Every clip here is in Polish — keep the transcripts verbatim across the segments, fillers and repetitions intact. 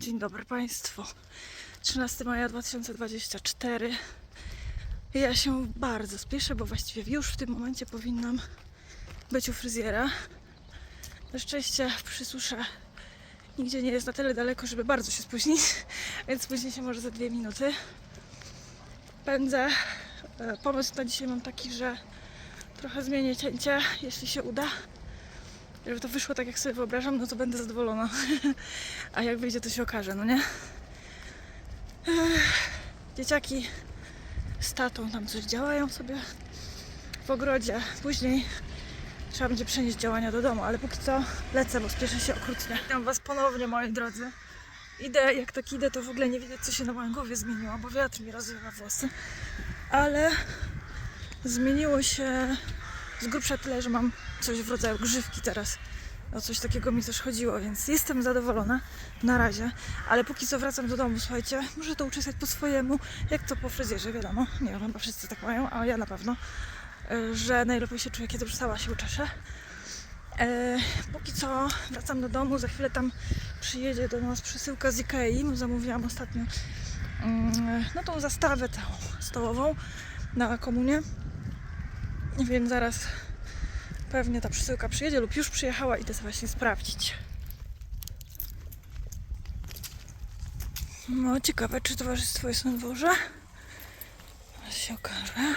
Dzień dobry Państwu. trzynastego maja dwa tysiące dwudziestego czwartego. Ja się bardzo spieszę, bo właściwie już w tym momencie powinnam być u fryzjera. Na szczęście przy susze nigdzie nie jest na tyle daleko, żeby bardzo się spóźnić, więc spóźnię się może za dwie minuty. Pędzę. Pomysł na dzisiaj mam taki, że trochę zmienię cięcie, jeśli się uda. Żeby to wyszło tak, jak sobie wyobrażam, no to będę zadowolona. A jak wyjdzie, to się okaże, no nie? Dzieciaki z tatą tam coś działają sobie w ogrodzie. Później trzeba będzie przenieść działania do domu, ale póki co lecę, bo spieszę się okrutnie. Witam was ponownie, moi drodzy. Idę, jak tak idę, to w ogóle nie widać, co się na mojej głowie zmieniło, bo wiatr mi rozwiewa włosy. Ale zmieniło się z grubsza tyle, że mam coś w rodzaju grzywki teraz. O coś takiego mi też chodziło, więc jestem zadowolona na razie. Ale póki co wracam do domu, słuchajcie, muszę to uczesać po swojemu, jak to po fryzjerze, wiadomo. Nie wiem, chyba wszyscy tak mają, a ja na pewno, że najlepiej się czuję, kiedy już sama się uczeszę. E, póki co wracam do domu, za chwilę tam przyjedzie do nas przesyłka z Ikei. Zamówiłam ostatnio mm, no tą zastawę tą stołową na komunię, więc zaraz pewnie ta przesyłka przyjedzie lub już przyjechała, idę sobie właśnie sprawdzić. No ciekawe, czy towarzystwo jest na dworze. Zaraz się okaże.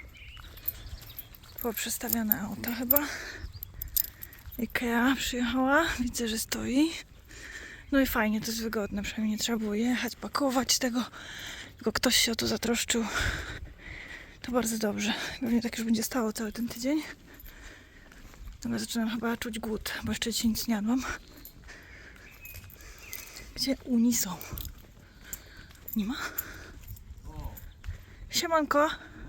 Było przestawione auto chyba. Ikea przyjechała, widzę, że stoi. No i fajnie, to jest wygodne, przynajmniej nie trzeba było jechać, pakować tego, tylko ktoś się o to zatroszczył. To bardzo dobrze. Pewnie tak już będzie stało cały ten tydzień. Ale zaczynam chyba czuć głód, bo jeszcze dzisiaj nic nie jadłam. Gdzie uni są? Nie ma? Siemanko!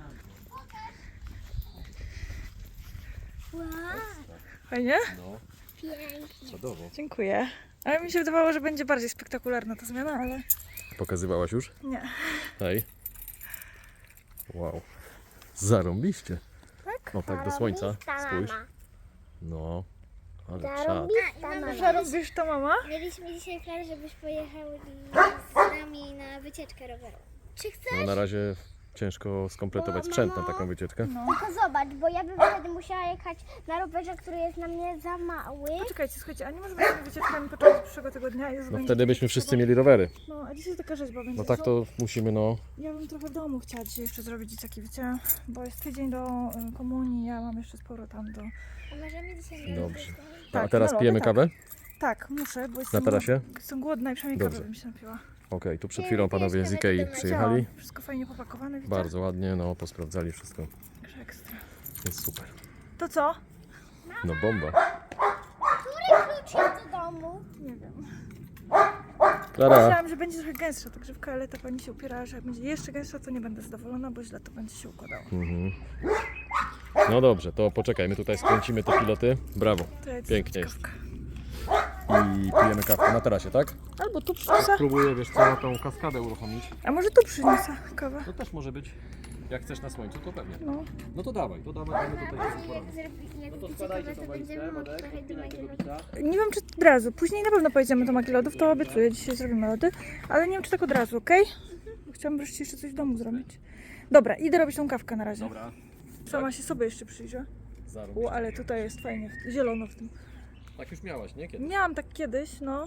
Wow, Fajnie? No, pięknie. czadowo. Dziękuję. Ale mi się wydawało, że będzie bardziej spektakularna ta zmiana, ale Pokazywałaś już? nie. Hej. Wow. Zarąbiście. Tak? No tak do słońca. Zarąbista Spójrz. mama. No, ale czad. Zarąbista mama. Że robisz to, mama? Mieliśmy dzisiaj plan, żebyś pojechał z nami na wycieczkę rowerową. Czy chcesz? No na razie ciężko skompletować sprzęt na taką wycieczkę. No. Tylko zobacz, bo ja bym wtedy musiała jechać na rowerze, który jest na mnie za mały. Poczekajcie, słuchajcie, a nie możemy sobie wycieczkami począć z przyszłego tygodnia? Jezu, No będzie wtedy byśmy trzeba- wszyscy mieli rowery. No, a dzisiaj taka rzeźba będzie. No tak to musimy, no. Ja bym trochę w domu chciała dzisiaj jeszcze zrobić dzieciaki, wiecie? Bo jest tydzień do y, komunii, ja mam jeszcze sporo tam do... A możemy dzisiaj na Dobrze. rowerze? A Tak, teraz no, pijemy tak. kawę? Tak, muszę, bo Na jestem, tarasie? jestem głodna i przynajmniej Dobrze. kawę bym się napiła. Okej, tu przed chwilą panowie z Ikei przyjechali. Widziałam, wszystko fajnie popakowane, widzicie? Bardzo ładnie, no posprawdzali wszystko. Także ekstra. Jest super. To co? No bomba. Który klucz jest do domu? Nie wiem. Klara. Myślałam, że będzie trochę gęstsza ta grzywka, ale ta pani się upierała, że jak będzie jeszcze gęstsza, to nie będę zadowolona, bo źle to będzie się układało. Mhm. No dobrze, to poczekaj, my tutaj skręcimy te piloty. Brawo. To ja ci Pięknie zrobię jest. kawkę. I pijemy kawkę na tarasie, tak? Albo tu przyniosę. Spróbuję, wiesz co, tą kaskadę uruchomić. A może tu przyniosę kawę? To też może być. Jak chcesz na słońcu, to pewnie. No. No to dawaj, to dawaj, mamy tutaj Jak, jest porady. zrobi, jak No to będzie składajcie kawę, tą to walizkę, będziemy mogli Wodek, trochę do odpinaj tego mojego bicia. Nie wiem, czy od razu. Później na pewno pojedziemy do Maki Lodów, to obiecuję. Dzisiaj zrobimy lody. Ale nie wiem, czy tak od razu, okej? Okay? Chciałam wreszcie jeszcze coś w domu zrobić. Dobra, idę robić tą kawkę na razie. Dobra, Sama się sobie jeszcze przyjrzę. zarób. U, ale tutaj jest fajnie, zielono w tym. Tak już miałaś, nie? Kiedy? Miałam tak kiedyś, no.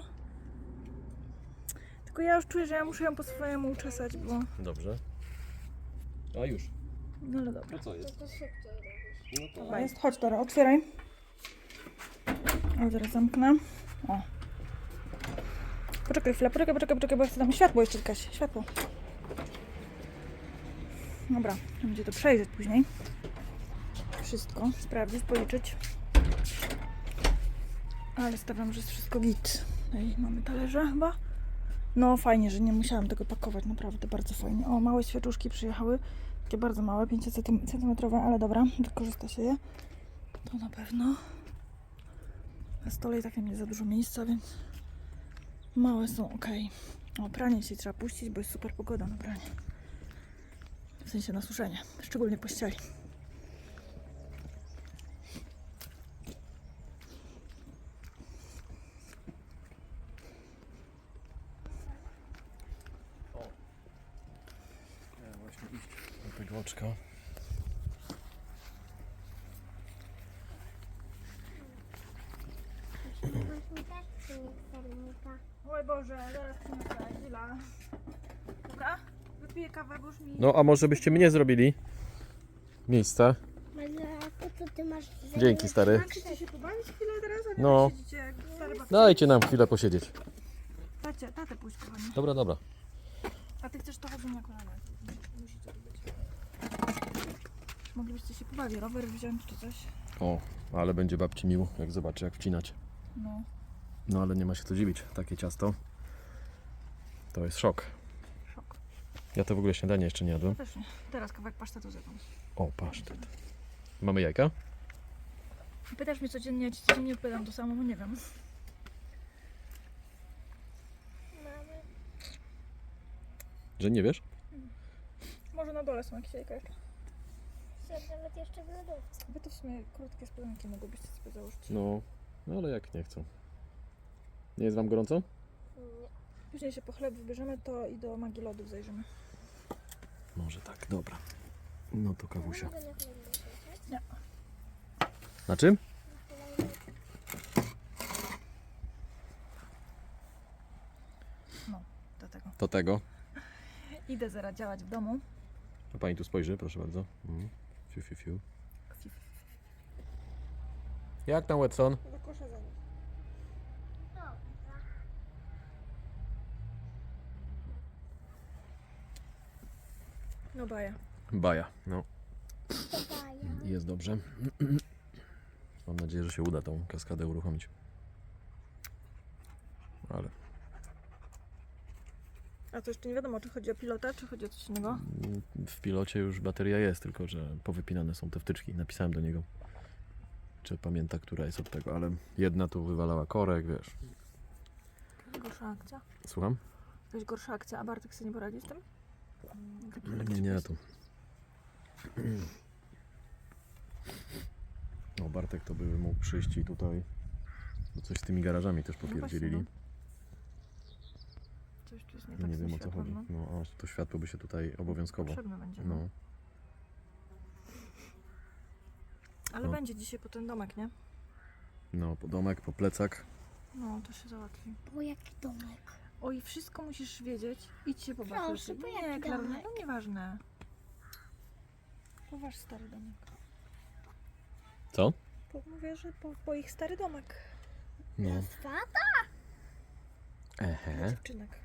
Tylko ja już czuję, że ja muszę ją po swojemu uczesać, bo... Dobrze. A już. No ale dobra. To co jest? To szybciej robisz. No to... Dobra, jest. Chodź, Dora, otwieraj. O, zaraz zamknę. O. Poczekaj chwilę, poczekaj, poczekaj, poczekaj, bo ja chcę tam światło jeszcze Kaś, światło. Dobra, będzie to przejrzeć później. Wszystko, sprawdzić, policzyć. Ale stawiam, że jest wszystko git. Tutaj mamy talerze chyba. No fajnie, że nie musiałam tego pakować, naprawdę bardzo fajnie. O, małe świeczuszki przyjechały. Takie bardzo małe, pięć centymetrowe, ale dobra, wykorzysta się je. To na pewno. Na stole i tak nie za dużo miejsca, więc małe są ok. O, pranie dzisiaj trzeba puścić, bo jest super pogoda na pranie. W sensie na suszenie, szczególnie pościeli. tego oczka. Masz mi też przynieść sernika. Oj Boże, zaraz przyniosę, chwila. Dobra, wypiję kawę, bo już mi... No a może byście mnie zrobili? Miejsce. Ale po co ty masz... Dzięki, stary. Chcecie się pobawić chwilę teraz, a nie No. tak siedzicie jak stare babcie? Dajcie nam chwilę posiedzieć. Tacie, tatę pójść, kochanie. Dobra, dobra. A ty chcesz to chodzenie na kolana. Musicie to być. Moglibyście się pobawić, rower wziąć czy coś. O, ale będzie babci miło, jak zobaczy, jak wcinać. No. No ale nie ma się co dziwić. Takie ciasto to jest szok. Szok. Ja to w ogóle śniadanie jeszcze nie jadłem. Też nie. Teraz kawałek pasztetu zjadłam. O, pasztet. Mamy jajka? Pytasz mnie codziennie, ja ci codziennie odpowiadam to samo, bo nie wiem. Mamy. Że nie wiesz? Może na dole są jakieś jajka jeszcze. Są nawet jeszcze w lodówce. Wy to w sumie krótkie spodenki mogłybyście sobie założyć. No, no ale jak nie chcą. Nie jest wam gorąco? Nie. Później się po chleb wybierzemy, to i do magii lodów zajrzymy. Może tak, dobra. No to kawusia. Mogę na chwilę jechać? Nie. Na czym? Na chwilę No, do tego. Do tego. Idę zaraz działać w domu. A pani tu spojrzy, proszę bardzo. Mhm. Fiu, fiu, fiu. Jak tam, Watson? Do kosza za nim. No baja. Baja, no. To daję. Jest dobrze. Mam nadzieję, że się uda tą kaskadę uruchomić. Ale A to jeszcze nie wiadomo, czy chodzi o pilota, czy chodzi o coś innego. w pilocie już bateria jest, tylko że powypinane są te wtyczki. Napisałem do niego, czy pamięta, która jest od tego, ale jedna tu wywalała korek, wiesz. Gorsza akcja. Słucham? Jakaś gorsza akcja, a Bartek sobie nie poradzi z tym? Nie, nie, tu. No, Bartek to by mógł przyjść i tutaj bo coś z tymi garażami też popierdzielili. No Coś tu jest nie tak Nie z wiem tym o co światłem, chodzi. no. No, a to światło by się tutaj obowiązkowo. Potrzebne będzie. No, Ale no. będzie dzisiaj po ten domek, nie? no, po domek, po plecak. No, to się załatwi. O, jaki domek. Oj, wszystko musisz wiedzieć. Idź się pobaw. Proszę, lepiej. bo Nie, jaki Klaruna, domek? to nieważne. Po wasz stary domek. Co? Po, mówię, że po, po ich stary domek. No. Swata? Ehe. Dziewczynek.